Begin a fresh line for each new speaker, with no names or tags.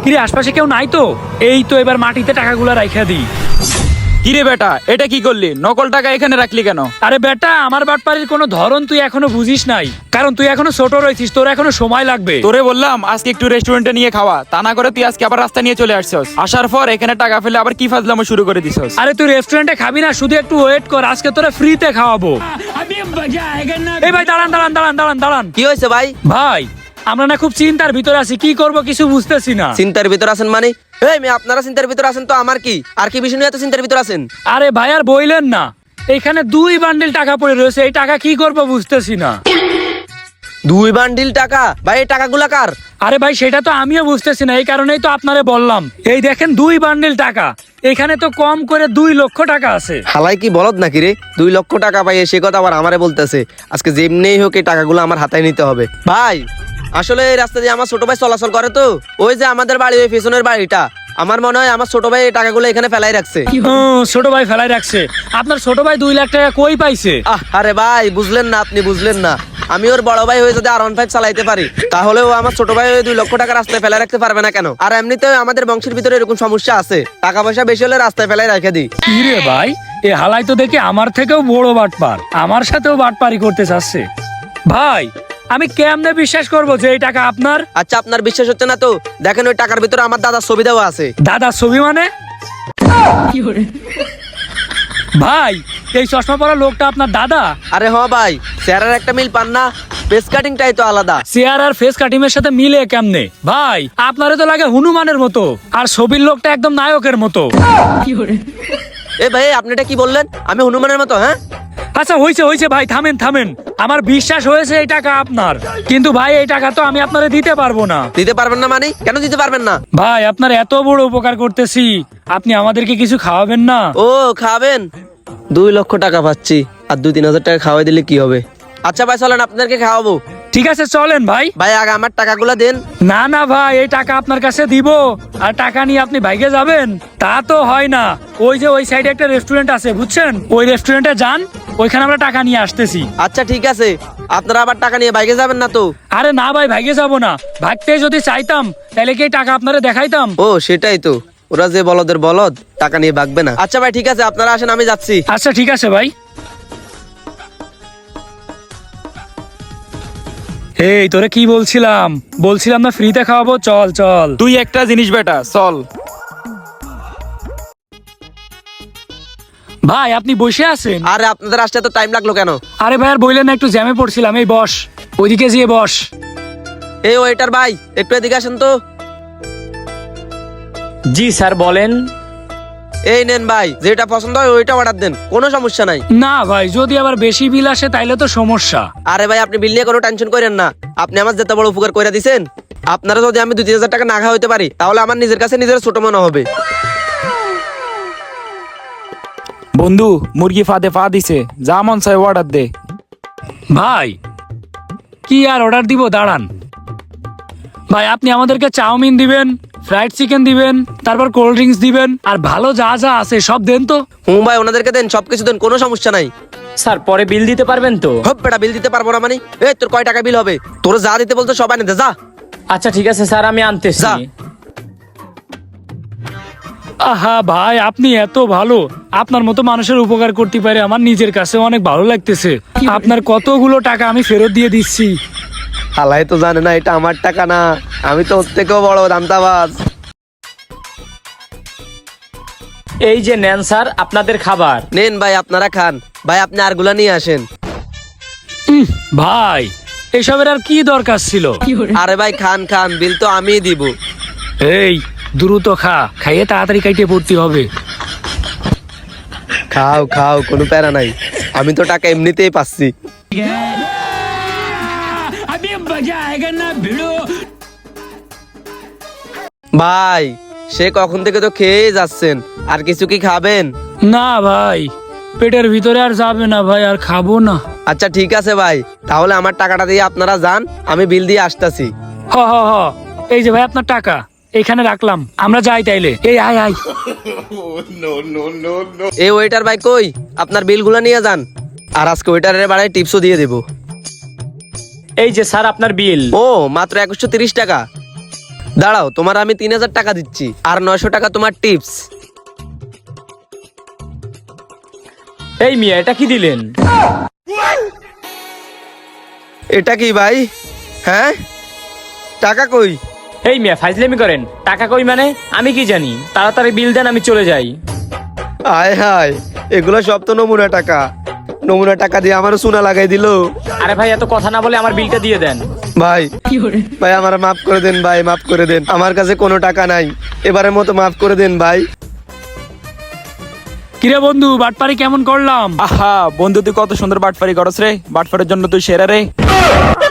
কিরে আশপাশে কেউ নাই তো? এই তো এবার মাটিতে টাকাগুলো রাইখা দিই।
কিরে বেটা, এটা কি করলি? নকল টাকা এখানে রাখলি কেন?
আরে বেটা, আমার বাটপাড়ির কোনো ধরন তুই এখনো বুঝিস নাই, কারণ তুই এখনো ছোট রয়েছিস, তোর এখনো সময় লাগবে।
তোরে বললাম আজকে একটু রেস্টুরেন্টে নিয়ে খাওয়া, তা না করে তুই আজকে আবার রাস্তা নিয়ে চলে আসছস। আসার পর এখানে টাকা ফেলে আবার কি ফাজলামো শুরু করে দিছস।
আরে তুই রেস্টুরেন্টে খাবি না, শুধু একটু ওয়েট কর, আজকে তোরা ফ্রিতে খাওয়াবো। এই ভাই দাঁড়ান দাঁড়ান দাঁড়ান দাঁড়ান দাঁড়ান।
কি হয়েছে ভাই?
ভাই আমরা না খুব চিন্তার ভিতরে আছি, কি করব কিছু বুঝতেছি না।
চিন্তার ভিতর আছেন মানে? এই মেয়ে, আপনারা চিন্তার ভিতর আছেন তো আমার কি? আর কি বিষয় নিয়ে এত চিন্তার ভিতর আছেন?
আরে ভাই আর বইলেন না, এখানে 2 বান্ডিল টাকা পড়ে রয়েছে, এই টাকা কি করব বুঝতেছি না।
2 বান্ডিল টাকা? ভাই এই টাকাগুলা কার?
আরে ভাই সেটা তো আমিও বুঝতেছি না, এই কারণেই তো আপনারে বললাম। এই দেখেন 2 বান্ডিল টাকা, এখানে তো কম করে 2 লক্ষ টাকা আছে।
হালাই কি বলদ নাকি রে? 2 লক্ষ টাকা পাই, সে কথা আবার আমারে বলতেছে। আজকে যেমনিই হোক এই টাকাগুলো আমার হাতায় নিতে হবে। ভাই আসলে এই রাস্তা দিয়ে আমার ছোট ভাই চলাচল করে তো, ওই যে আমাদের বাড়ি, ওই পেছনের বাড়িটা, আমার মনে হয় আমার ছোট ভাই এই টাকাগুলো এখানে ফেলাই রাখছে।
ছোট ভাই ফেলাই রাখছে? আপনার ছোট ভাই 2 লাখ টাকা কই পাইছে?
আরে ভাই বুঝলেন না, আপনি বুঝলেন না। আমি ওর বড় ভাই হয়ে যদি R15 চালাইতে পারি, তাহলে ও আমার ছোট ভাই 2 লক্ষ টাকা রাস্তায় ফেলাই রাখতে পারবে না কেন? আর এমনিতে আমাদের বংশের ভিতরে এরকম সমস্যা আছে, টাকা পয়সা বেশি হলে রাস্তায় ফেলাই রেখে দিই।
কি রে ভাই, এ হালাই তো দেখি আমার থেকেও বড় বাটপার, আমার সাথেও বাটপারি করতে চাচ্ছে। ভাই আমি কেমনে বিশ্বাস করব যে এই টাকা আপনার?
আচ্ছা আপনার বিশ্বাস হচ্ছে না তো দেখেন, ওই টাকার ভিতরে আমার দাদার ছবি দেওয়া আছে।
দাদার ছবি মানে? ভাই এই চশমা পরা লোকটা আপনার দাদা?
আরে হ ভাই, চেহারার একটা মিল পান না? ফেস কাটিংটাই তো আলাদা।
চেয়ার আর ফেস কাটিং এর সাথে মিলে কেমনে? ভাই আপনারে তো লাগে হনুমানের মতো, আর ছবির লোকটা একদম নায়কের মতো।
এ ভাই আপনি এটা কি বললেন? আমি হনুমানের মতো? হ্যাঁ
আচ্ছা হইছে হইছে ভাই, থামেন থামেন। আমার বিশ্বাস হয়েছে এই টাকা আপনার, কিন্তু ভাই এই টাকা তো আমি আপনারে দিতে পারবো না।
দিতে পারবেন না মানে? কেন দিতে পারবেন না?
ভাই আপনার এত বড় উপকার করতেছি, আপনি আমাদেরকে কিছু খাওয়াবেন না?
ও খাবেন? 2 লক্ষ টাকা পাচ্ছি, আর 2-3 হাজার টাকা খাওয়াই দিলে কি হবে? আচ্ছা ভাই চলেন, আপনাদেরকে খাওয়াবো।
ঠিক আছে চলেন ভাই।
ভাই আগে আমার টাকাগুলো দেন।
না না ভাই, এই টাকা আপনার কাছে দিব আর টাকা নিয়ে আপনি ভাইগে যাবেন, তা তো হয় না। ওই যে ওই সাইডে একটা রেস্টুরেন্ট আছে বুঝছেন, ওই রেস্টুরেন্টে যান, ওইখানে আমরা টাকা নিয়ে আসতেছি।
আচ্ছা ঠিক আছে, আপনারা আবার টাকা নিয়ে বাইকে যাবেন না তো?
আরে না ভাই, ভাইগে যাব না, ভাগতে যদি চাইতাম তাহলে কি এই টাকা আপনারে দেখাইতাম?
ও সেটাই তো, ওরা যে বলদের বলদ, টাকা নিয়ে ভাগবে না। আচ্ছা ভাই ঠিক আছে, আপনারা আসেন, আমি যাচ্ছি।
আচ্ছা ঠিক আছে ভাই। এই তোরে কি বলছিলাম, বলছিলাম না ফ্রিতে খাওয়াবো? চল চল।
তুই একটা জিনিস বেটা, চল।
ভাই আপনি বসে আছেন?
আরে আপনাদের আসতে তো টাইম লাগলো কেন?
আরে ভাই আর বললেন না, একটু জ্যামে পড়ছিলাম। এই বস, ওইদিকে যেয়ে বস।
এই ওয়েটার ভাই একটু এদিকে আসেন তো।
জি স্যার বলেন।
এই নেন ভাই, যেটা পছন্দ হয় ওইটা অর্ডার দেন, কোনো সমস্যা নাই।
না ভাই, যদি আবার বেশি বিল আসে তাইলে তো সমস্যা।
আরে ভাই আপনি বিল নিয়ে কোনো টেনশন করেন না, আপনি আমার যেতে বড় উপকার করে দিছেন। আপনারা যদি আমি 2-3 হাজার টাকা না খাওয়া হইতে পারি, তাহলে আমার নিজের কাছে নিজের ছোট মনে হবে।
বন্ধু মুরগি ফাঁদে পা দিছে, যা মন চাই অর্ডার দে।
ভাই কি আর অর্ডার দিব, দাঁড়ান। ভাই আপনি আমাদেরকে চাউমিন দিবেন, ফ্রাইড চিকেন দিবেন, তারপর কোল্ড ড্রিঙ্কস দিবেন, আর ভালো যা যা আছে সব দেন তো।
ভাই ওনাদেরকে দেন, সবকিছু দেন, কোনো সমস্যা নাই।
স্যার পরে বিল দিতে পারবেন তো?
হপ বেটা, বিল দিতে পারবো না মানে? এই তোর কয় টাকা বিল হবে? তোর যা দিতে বলতো সব আনে দে, যা।
আচ্ছা ঠিক আছে স্যার, আমি আনতেছি।
যা।
আহা ভাই আপনি এত ভালো, আপনার মতো মানুষের উপকার করতে পারে আমার নিজের কাছে অনেক ভালো লাগতেছে। আপনার কতগুলো টাকা আমি ফেরত দিয়ে দিচ্ছি।
হালাই তো জানে না এটা আমার টাকা না, আমি তো ওর থেকেও বড় দামতাবাজ।
এই যে নেন স্যার আপনাদের খাবার।
নেন ভাই আপনারা খান। ভাই আপনি আরগুলা নিয়ে আসেন।
ভাই এসবের আর কি দরকার ছিল?
আরে ভাই খান খান, বিল তো আমিই দিব।
এই দ্রুত খা, খাইয়ে তাড়াতাড়ি কাইটে পড়তে হবে।
খাও খাও, কোনো প্যারা নাই, আমি তো টাকা এমনিতেই পাচ্ছি। ভাই সে কখন থেকে তো খেয়ে যাচ্ছেন, আর কিছু কি খাবেন?
না ভাই, পেটের ভিতরে আর যাবে না ভাই, আর খাবো না।
আচ্ছা ঠিক আছে ভাই, তাহলে আমার টাকাটা দিয়ে আপনারা যান, আমি বিল দিয়ে আসতেছি।
হ হ হ, এই যে ভাই আপনার টাকা এখানে রাখলাম, আমরা যাই তাইলে। এই আয় আয়।
এই ওয়েটার ভাই কই, আপনার বিলগুলো নিয়ে যান, আর আজকে ওয়েটারের বাড়ায় টিপসও দিয়ে দেবো।
এই যে স্যার আপনার বিল।
ও মাত্র 2130 টাকা? দাঁড়াও, তোমার আমি 3000 টাকা দিচ্ছি, আর 900 টাকা তোমার টিপস।
এই মিয়া এটা কি দিলেন?
এটা কি ভাই? হ্যাঁ, টাকা কই?
এই মিয়া ফাইজলামি করেন, টাকা কই মানে? আমি কি জানি, তাড়াতাড়ি বিল দেন, আমি চলে যাই।
আয় হায়, এগুলো সব তো নমুনা টাকা। নমুনা টাকা দিয়ে আমারও সোনা লাগাই দিল।
আরে ভাই এত কথা না বলে আমার বিলটা দিয়ে দেন।
ভাই ভাই আমার মাফ করে দেন ভাই, মাফ করে দেন। আমার কাছে কোনো টাকা নাই, এবারের মতো মাফ করে দেন ভাই।
কিরে বন্ধু, বাটপারি কেমন করলাম?
আহা বন্ধু, তুই কত সুন্দর বাটফারি করস রে, বাটফারের জন্য তুই সেরা রে।